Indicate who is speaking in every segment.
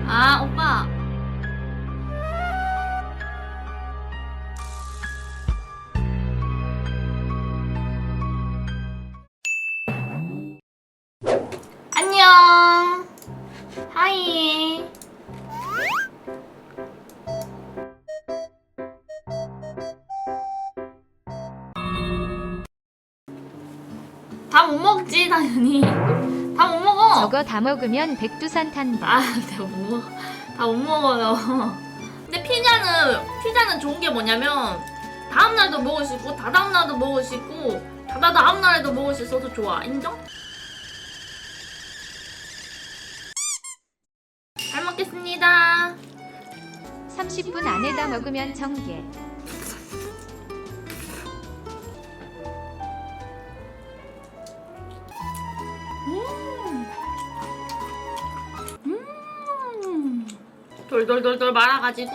Speaker 1: 아, 오빠. 안녕. 하이. 다 못 먹지, 당연히. 다 못 먹어.
Speaker 2: 저거 다 먹으면 백두산 탄다.
Speaker 1: 아, 내가 못 먹어. 다 못 먹어요. 근데 피자는 좋은 게 뭐냐면 다음날도 먹을 수 있고 다다음날도 먹을 수 있고 다다다음날에도 먹을 수 있어서 좋아. 인정? 잘 먹겠습니다.
Speaker 2: 30분 안에 다 먹으면 정계.
Speaker 1: 돌돌돌돌 말아가지고.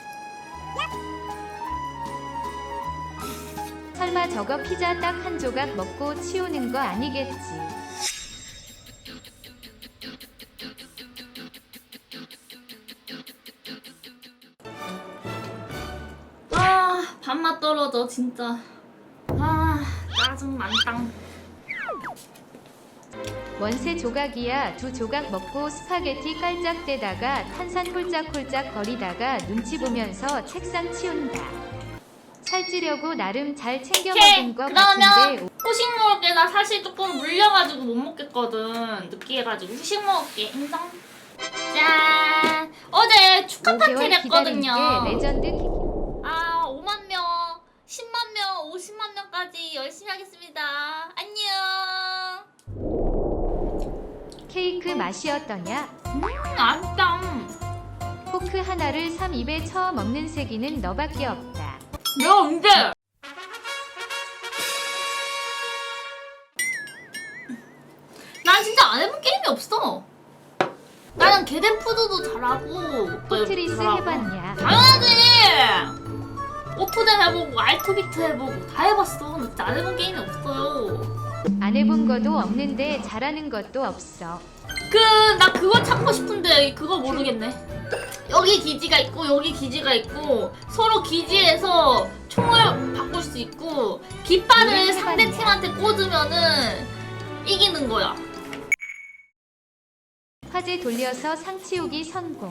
Speaker 2: 설마 저거 피자 딱 한 조각 먹고 치우는 거 아니겠지?
Speaker 1: 아, 밥맛 떨어져 진짜. 아, 짜증 만땅.
Speaker 2: 원세 조각이야. 두 조각 먹고 스파게티 깔짝대다가 탄산 홀짝홀짝 거리다가 눈치 보면서 책상 치운다. 살찌려고 나름 잘 챙겨 먹은 거 같은데.
Speaker 1: 그러면 후식 먹을게. 나 사실 조금 물려가지고 못 먹겠거든. 느끼해가지고 후식 먹을게. 인정? 짠. 어제 축하 파티를
Speaker 2: 5개월 기다린
Speaker 1: 했거든요.
Speaker 2: 게 레전드
Speaker 1: 아, 5만 명, 10만 명, 50만 명까지 열심히 하겠습니다. 안녕.
Speaker 2: 케이크 맛이 어떠냐?
Speaker 1: 맛있다.
Speaker 2: 포크 하나를 3입에 처 먹는 세기는 너밖에 없다.
Speaker 1: 내가 언제? 난 진짜 안 해본 게임이 없어. 나는 게덴푸드도 잘하고
Speaker 2: 포트리스
Speaker 1: 잘하고.
Speaker 2: 해봤냐?
Speaker 1: 당연하지. 오프댐 해보고 알투비트 해보고 다 해봤어. 근데 진짜 안 해본 게임이 없어요.
Speaker 2: 안 해본 것도 없는데 잘하는 것도 없어.
Speaker 1: 나 그거 찾고 싶은데 그거 모르겠네. 여기 기지가 있고 여기 기지가 있고 서로 기지에서 총을 바꿀 수 있고 깃발을 상대 팀한테 꽂으면은 이기는 거야.
Speaker 2: 화재 돌려서 상 치우기 성공.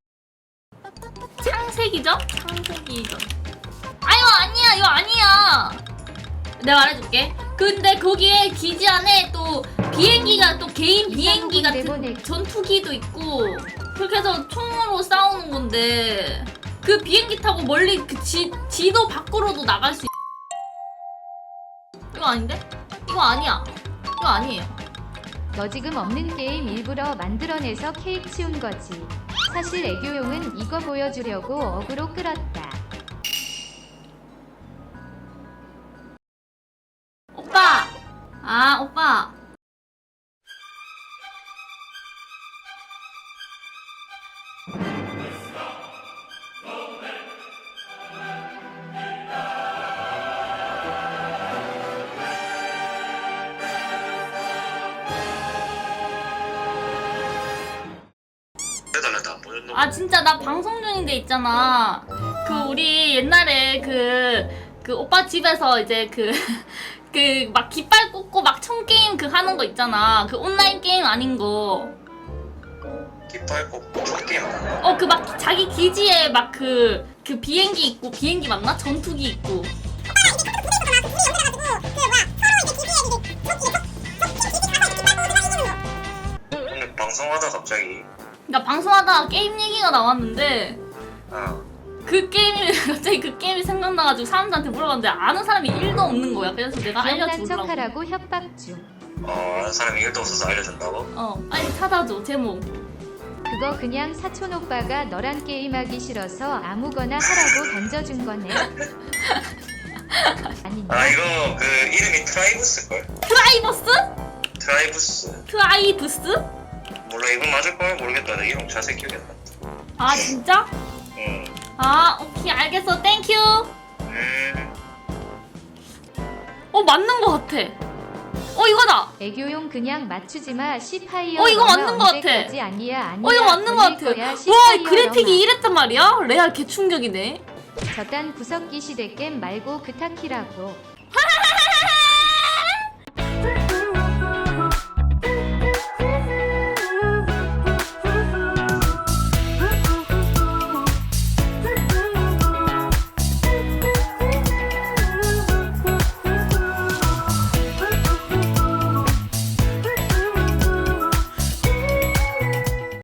Speaker 1: 창세기전? 창세기전. 아, 이거 아니야. 내가 말해줄게. 근데 거기에 기지 안에 또 비행기가 또 개인 비행기 같은
Speaker 2: 내보내.
Speaker 1: 전투기도 있고 그렇게 해서 총으로 싸우는 건데 그 비행기 타고 멀리 그 지도 밖으로도 나갈 수 이거 아닌데? 이거 아니야. 이거 아니에요.
Speaker 2: 너 지금 없는 게임 일부러 만들어내서 케이크 치운 거지. 사실 애교용은 이거 보여주려고 어그로 끌었다.
Speaker 1: 오빠! 아, 오빠. 아, 진짜 나 방송 중인데 있잖아. 우리 옛날에 그 오빠 집에서 이제 막 깃발 꽂고 막 총게임 하는 거 있잖아. 그 온라인 게임 아닌 거.
Speaker 3: 깃발 꽂고 총게임 하는 거?
Speaker 1: 막 자기 기지에 막 그 비행기 있고, 비행기 맞나? 전투기 있고.
Speaker 3: 오늘 방송하다 갑자기
Speaker 1: 그러니까 방송하다가 게임 얘기가 나왔는데 그 게임이 생각나가지고 사람들한테 물어봤는데 아는 사람이 1도 없는 거야. 그래서 내가
Speaker 2: 기억난
Speaker 1: 알려주려고.
Speaker 2: 척하라고 협박 중.
Speaker 3: 아는 사람이 1도 없어서 알려준다고?
Speaker 1: 빨리 찾아줘, 제목.
Speaker 2: 그거 그냥 사촌 오빠가 너랑 게임하기 싫어서 아무거나 하라고 던져준 거네. 아닌가?
Speaker 3: 이거 그 이름이 트라이브스걸? 트라이브스?
Speaker 1: 트라이브스?
Speaker 3: 몰라, 이거 맞을걸? 모르겠다. 내 이름 자세히 기억이 안 난다.
Speaker 1: 아, 진짜?
Speaker 3: 응.
Speaker 1: 아, 오케이, 알겠어. 땡큐.
Speaker 3: 음.
Speaker 1: 맞는 거 같아. 이거다.
Speaker 2: 애교용 그냥 맞추지마 시파이어.
Speaker 1: 이거 맞는 거 같아.
Speaker 2: 아니야.
Speaker 1: 이거 맞는 거 같아. 와, 이 그래픽이 이랬단 말이야? 레알 개충격이네.
Speaker 2: 저딴 구석기 시대 겜 말고 그타키라고.